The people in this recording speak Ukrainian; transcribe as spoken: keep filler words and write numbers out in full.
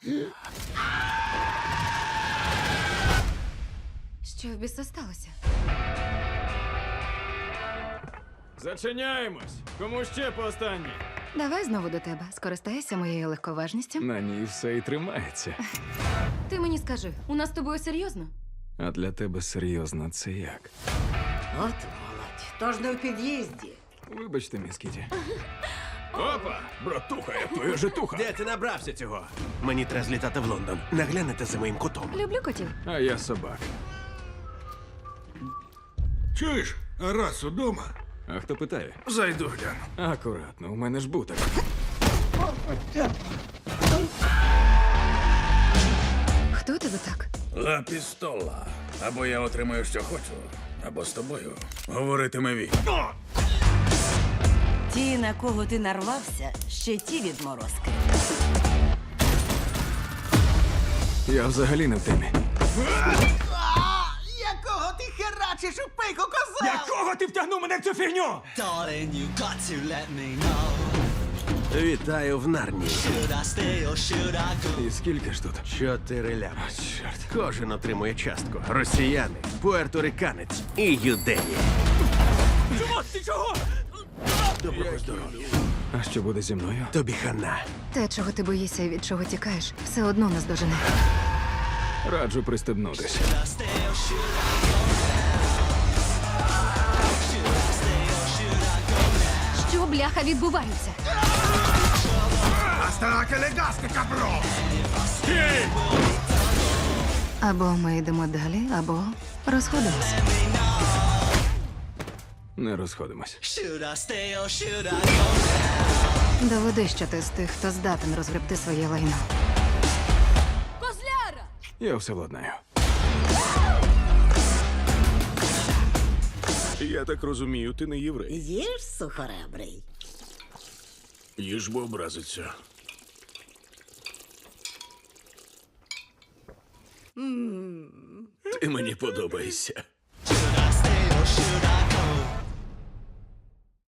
Що в біса сталося? Зачиняємось! Кому ще по останній? Давай знову до тебе. Скористайся моєю легковажністю. На ній все і тримається. Ти мені скажи, у нас з тобою серйозно? А для тебе серйозно це як? От молодь. Тож не в під'їзді. Вибачте, міс Кіті. Опа! Братуха, я твоя житуха! Де ти набрався цього? Мені треба злітати в Лондон. Наглянете за моїм котом. Люблю котів. А я собак. Чуєш, а раз удома? А хто питає? Зайду гляну. Акуратно, у мене ж буток. Хто тебе так? Ла пістола. Або я отримаю, що хочу, або з тобою говоритиме він. Ті, на кого ти нарвався, ще ті відморозки. Я взагалі не в темі. Якого ти херачиш у пику, коза? Якого ти втягнув мене в цю фігню? Darling, you got to let me know. Вітаю в Нарнії. Should I stay or should I go? І скільки ж тут? Чотири лями. Чорт. Кожен отримує частку. Росіяни, пуерториканець і юдеї. Чого? Ти чого? Доброго здоров'я. А що буде зі мною? Тобі хана. Те, чого ти боїшся і від чого тікаєш, все одно нас дожене. Раджу пристебнутись. Should I stay or should I go? Should I stay or should I go? Що, бляха, відбувається? Або ми йдемо далі, або розходимося. Не розходимось. Should I stay or should I go? Доведи, що ти з тих, хто здатен розгребти своє лайно. Я все владнаю. Я так розумію, ти не єврей. Їж, сухоребрий. Їж, бо образиться. Ти мені подобаєшся.